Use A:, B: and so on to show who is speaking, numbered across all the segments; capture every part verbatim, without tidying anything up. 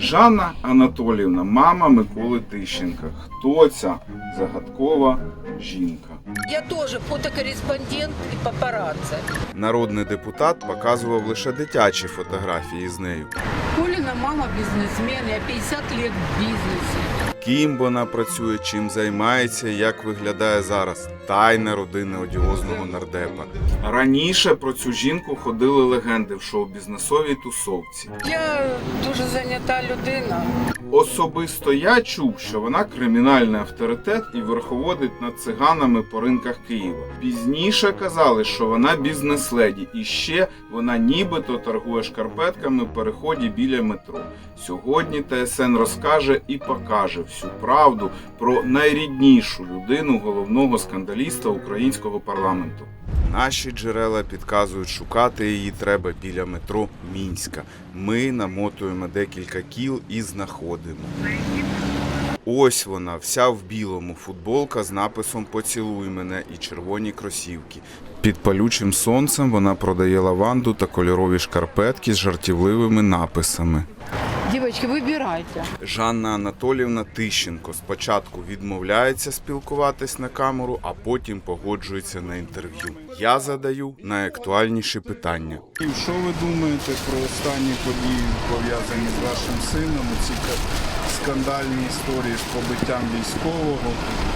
A: Жанна Анатоліївна, мама Миколи Тищенка. Хто ця загадкова жінка?
B: Я теж фотокореспондент і папараці.
A: Народний депутат показував лише дитячі фотографії з нею.
B: Коліна мама бізнесмен, я п'ятдесят років в бізнесі.
A: Ким вона працює, чим займається, як виглядає зараз. Тайна родини одіозного нардепа. Раніше про цю жінку ходили легенди в шоу-бізнесовій тусовці.
B: Я дуже зайнята людина.
A: Особисто я чув, що вона кримінальний авторитет і верховодить над циганами по ринках Києва. Пізніше казали, що вона бізнес-леді і ще вона нібито торгує шкарпетками в переході біля метро. Сьогодні ТСН розкаже і покаже всю правду про найріднішу людину головного скандаліста українського парламенту. Наші джерела підказують, шукати її треба біля метро Мінська. Ми намотуємо декілька кіл і знаходимо. Ось вона, вся в білому, футболка з написом «Поцілуй мене» і червоні кросівки. Під палючим сонцем вона продає лаванду та кольорові шкарпетки з жартівливими написами.
B: Дівчатки, вибирайте.
A: Жанна Анатоліївна Тищенко спочатку відмовляється спілкуватись на камеру, а потім погоджується на інтерв'ю. Я задаю найактуальніші питання.
C: Що ви думаєте про останні події, пов'язані з вашим сином, ці скандальні історії з побиттям військового?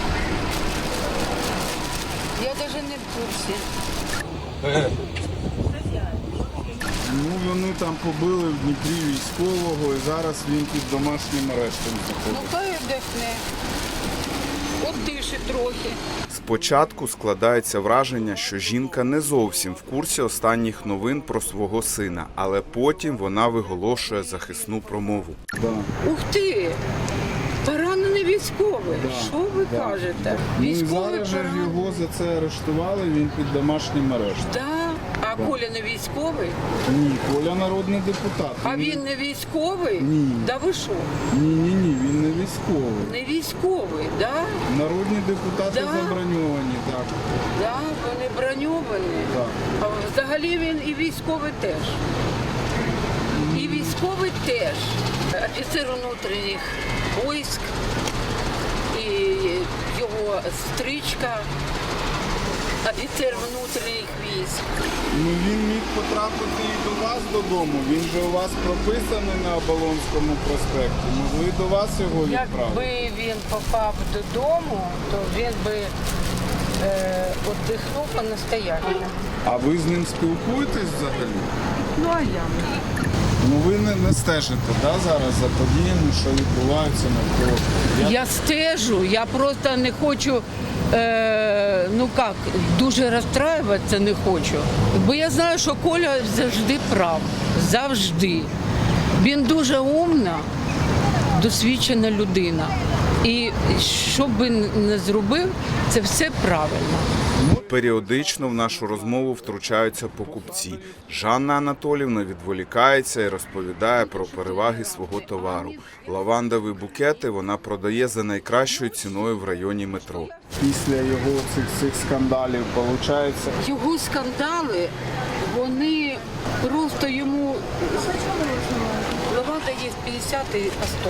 B: Я навіть не в курсі.
C: Ну, вони там побили в Дніпрі військового, і зараз він під домашнім арештом
B: Ну
C: знаходиться.
B: хай вдихне. От дише трохи.
A: Спочатку складається враження, що жінка не зовсім в курсі останніх новин про свого сина, але потім вона виголошує захисну промову.
C: Да.
B: Ух ти! Поранений військовий.
C: Да,
B: Що ви
C: да,
B: кажете?
C: да. Ну і
B: Військовий
C: зараз же
B: поранений.
C: його за це арештували, він під домашнім арештом.
B: Да? А Коля не військовий?
C: Ні, Коля народний депутат.
B: А він не військовий?
C: Ні.
B: Да ви що?
C: Ні, ні, ні, він не військовий.
B: Не військовий, да?
C: Народні депутати
B: Да?
C: заброньовані, так.
B: Да, вони броньовані.
C: Так.
B: А взагалі він і військовий теж. І військовий теж. Офіцер внутрішніх військ, і його стричка, офіцер внутрішніх військ.
C: Ну він міг потрапити і до вас додому. Він же у вас прописаний на Оболонському проспекті. Могли до вас його відправити.
B: Якби він попав додому, то він би е, віддихнув по-настоящему.
C: А ви з ним спілкуєтесь взагалі?
B: Ну а я?
C: Ну ви не, не стежите, да, зараз за подіями, що відбуваються навколо. Я...
B: Я стежу, я просто не хочу, е, ну як, дуже розстраюватися не хочу. Бо я знаю, що Коля завжди прав, завжди. Він дуже умна, досвідчена людина. І що б він не зробив, це все правильно.
A: Періодично в нашу розмову втручаються покупці. Жанна Анатоліївна відволікається і розповідає про переваги свого товару. Лавандові букети вона продає за найкращою ціною в районі метро.
C: Після його цих, цих скандалів, виходить,
B: Його скандали, вони просто йому... Лаванда є п'ятдесят і по сто.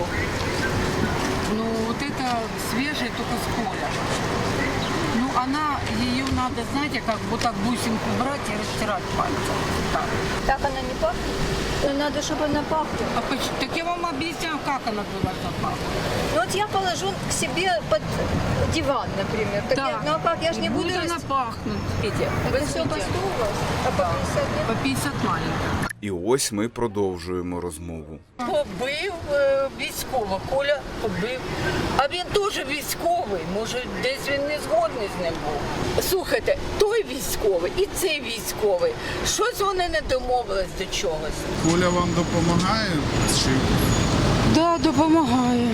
B: Ну, вот это свежее только с поля. Ну, она, ее надо, знаете, как вот так бусинку брать и растирать пальцем. Так.
D: Так она не пахнет? Надо, чтобы она пахла.
B: А поч- так я вам объясняю, как она должна пахнуть.
D: Ну вот я положу к себе под диван, например. Так
B: Так.
D: я, ну а как, я ж не буду...
B: Будет она
D: рас-
B: пахнуть. Видите,
D: Это все по сто у вас? А по пятьдесят нет?
B: По п'ятдесят маленьких.
A: І ось ми продовжуємо розмову.
B: Побив е, військово, Коля побив. А він теж військовий, може десь він не згодний з ним був. Слухайте, той військовий і цей військовий, щось вони не домовились до чогось.
C: Коля вам допомагає? Чи...
B: Так, да, допомагає.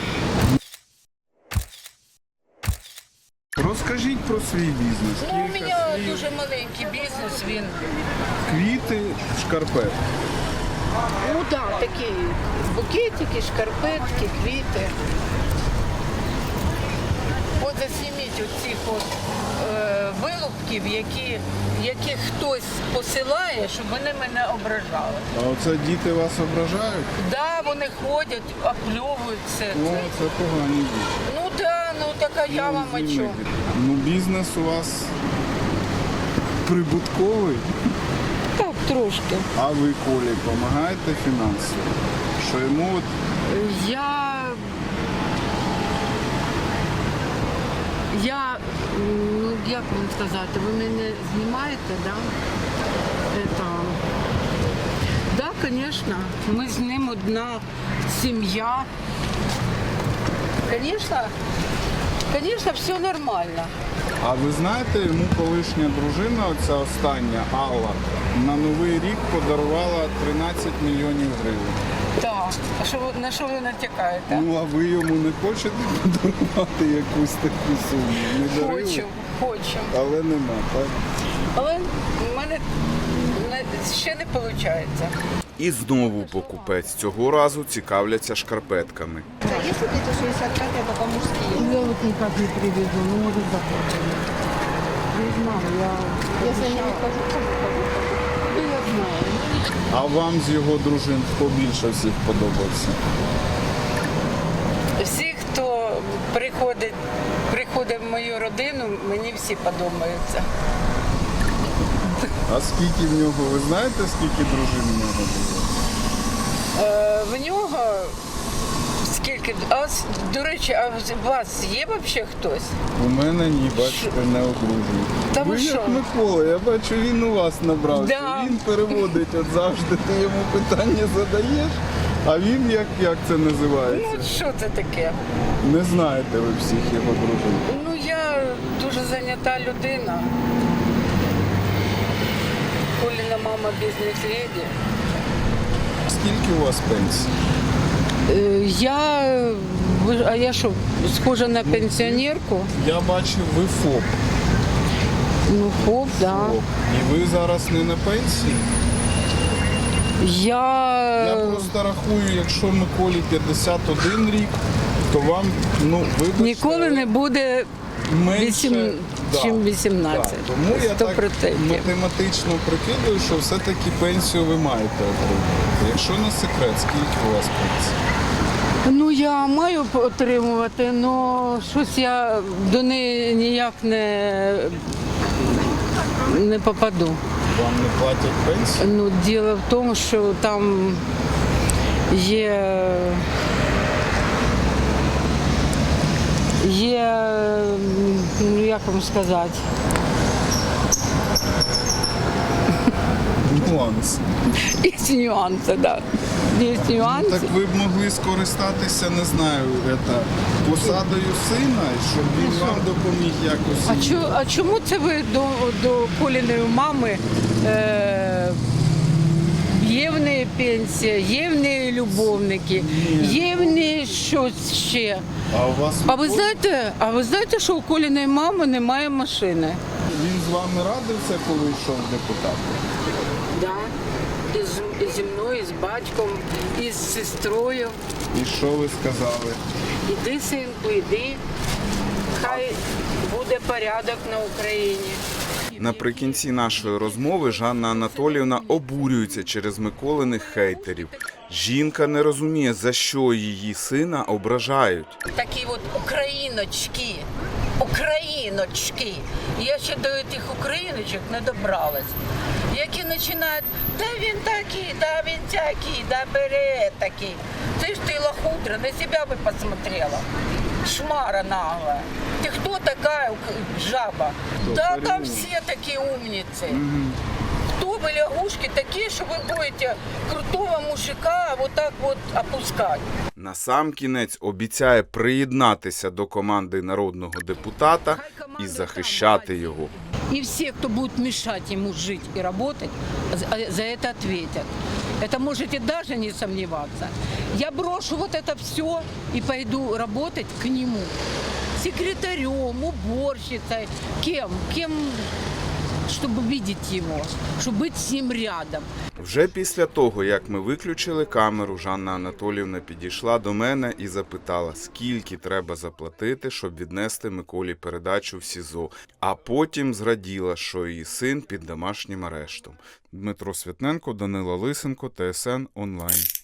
C: Розкажіть про свій бізнес.
B: Ну, у
C: Кілька
B: мене
C: слів.
B: дуже маленький бізнес, він,
C: Квіти, шкарпетки.
B: ну так, такі букетики, шкарпетки, квіти. От засніміть оцих от, е, вилупків, які, яких хтось посилає. немає, щоб вони мене ображали.
C: А оце діти вас ображають?
B: Да, вони ходять, опльовують все
C: Ну,
B: це.
C: це погані діти.
B: Ну да, ну так а я вам о чому?
C: Ну, бізнес у вас прибутковий,
B: Так, трошки.
C: а ви Колі допомагаєте фінансово? Що йому от
B: Я. Я, ну як вам сказати, ви мене знімаєте, да? Это... Да, звісно, ми з ним одна сім'я. Звісно, звісно, все нормально.
C: А ви знаєте, йому колишня дружина, оця остання, Алла, на Новий рік подарувала тринадцять мільйонів гривень.
B: Так. А що ви- на що ви натякаєте?
C: Ну, а ви йому не хочете подарувати якусь таку суму? Не дарили?
B: Хочу, хочу.
C: Але нема, так?
B: Але в мене не- ще не виходить.
A: І знову покупець. Цього разу цікавляться шкарпетками.
D: Если где-то шестьдесят пять, это по-мужски.
B: Я вот никак не привезу, ну может завтра. Не знаю, я...
D: Если они не скажут, то
B: Ну, я знаю.
C: А вам з його дружин хто більше всіх подобався?
B: Всі, хто приходить, приходить в мою родину, мені всі подобаються.
C: А скільки в нього, ви знаєте, скільки дружин в нього було?
B: Е, в нього скільки... А, с- до речі, а у вас є взагалі хтось?
C: У мене ні, бачите, не одружений.
B: Та ви
C: ви
B: що?
C: як Микола, я бачу, він у вас набрався.
B: Да.
C: Він переводить, от завжди ти йому питання задаєш, а він як, як це називається?
B: Ну, що це таке?
C: Не знаєте ви всіх його дружин.
B: Ну, я дуже зайнята людина. Коліна мама бізнес-леді.
C: Скільки у вас пенсій?
B: Е, Я, ви- а я що, схожа на пенсіонерку?
C: Я бачив, ви ФОП.
B: Ну, хоп, да.
C: ФОП. І ви зараз не на пенсії?
B: Я,
C: Я просто рахую, якщо Миколі п'ятдесят один рік, то вам, ну, вибачте,
B: ніколи не буде
C: менше,
B: вісім- чим вісімнадцять.
C: Так. Тому я
B: Сто
C: так
B: процентів.
C: математично прикидую, що все-таки пенсію ви маєте отримати. Якщо не секрет, скільки у вас пенсії?
B: Ну, я маю отримувати, але щось я до неї ніяк не, не попаду.
C: Вам не платять пенсію?
B: Ну, діло в тому, що там є, є, ну як вам сказати,
C: Нюанс.
B: є нюанси, да. Є нюанси.
C: Так ви б могли скористатися, не знаю, это, посадою сина, щоб він вам допоміг якось.
B: А, чо, а чому це ви до, до Коліної мами? Е, є в неї пенсія, є в неї любовники, є в неї щось ще.
C: А у вас
B: А ви знаєте, а ви знаєте, що у Коліної мами немає машини?
C: він з вами радився, коли йшов в депутати?
B: Да. І з, і зі мною, і з батьком, і з сестрою.
C: І що ви сказали?
B: Іди, синку, іди. Хай буде порядок на Україні.
A: Наприкінці нашої розмови Жанна Анатоліївна обурюється через Миколиних хейтерів. Жінка не розуміє, за що її сина ображають.
B: Такі от україночки, україночки. Я ще до тих україночок не добралась. Які починають, да він такий, да він такий, да бере такий. Ти ж ти лохудра, на себе би посмотрела. Шмара наглая. Ты кто такая ук- жаба? Да там все такие умницы. Кто вы лягушки такие, что вы будете крутого мужика вот так вот опускать?
A: Насамкінець обіцяє приєднатися до команди народного депутата і захищати його.
B: И все, кто будет мешать ему жить и работать, за- за это ответят. Это можете даже не сомневаться. Я брошу вот это все и пойду работать к нему. Секретарем, уборщицей, кем, кем, чтобы видеть его, чтобы быть с ним рядом.
A: Вже після того, як ми виключили камеру, Жанна Анатоліївна підійшла до мене і запитала, скільки треба заплатити, щоб віднести Миколі передачу в СІЗО. А потім зраділа, що її син під домашнім арештом. Дмитро Святненко, Данило Лисенко, ТСН онлайн.